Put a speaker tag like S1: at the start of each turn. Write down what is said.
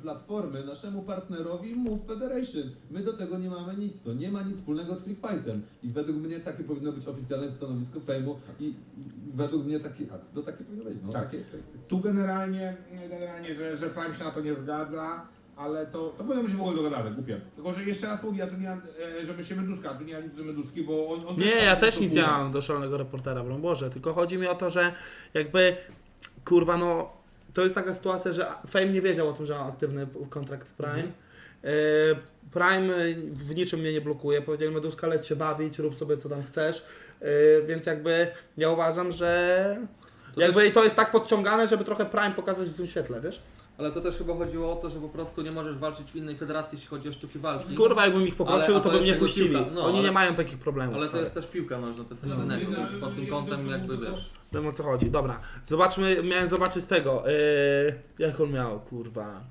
S1: platformy naszemu partnerowi Move Federation. My do tego nie mamy nic, to nie ma nic wspólnego z Freakfightem. I według mnie takie powinno być oficjalne stanowisko Fejmu i według mnie takie powinno być. No,
S2: Tak. Tu generalnie że Prime się na to nie zgadza, ale to powinno być w ogóle dogadane, głupie. Tylko, że jeszcze raz mówię, ja tu nie mam, żeby się Meduska, tu nie mam nic do Meduski, bo on
S3: Nie, ja też nic nie mam do szalonego reportera, broń Boże, tylko chodzi mi o to, że jakby, kurwa no, to jest taka sytuacja, że Fame nie wiedział o tym, że mam aktywny kontrakt w Prime. Prime w niczym mnie nie blokuje, powiedzieli Meduska, leć się bawić, rób sobie co tam chcesz, więc jakby ja uważam, że jakby to jest tak podciągane, żeby trochę Prime pokazać w tym świetle, wiesz?
S4: Ale to też chyba chodziło o to, że po prostu nie możesz walczyć w innej federacji, jeśli chodzi o sztuki walki.
S3: Kurwa, jakbym ich poprosił,
S4: Ale- a
S3: to
S4: to
S3: by
S4: jest
S3: mnie
S4: jakby
S3: puścili.
S4: piłka. No,
S3: Oni
S4: ale-
S3: nie mają takich problemów.
S4: Ale to
S3: stary.
S4: jest też piłka nożna, to jest coś innego, więc pod tym kątem jakby wiesz.
S3: Wiem o co chodzi. Dobra, miałem zobaczyć tego. Jak on miał, kurwa.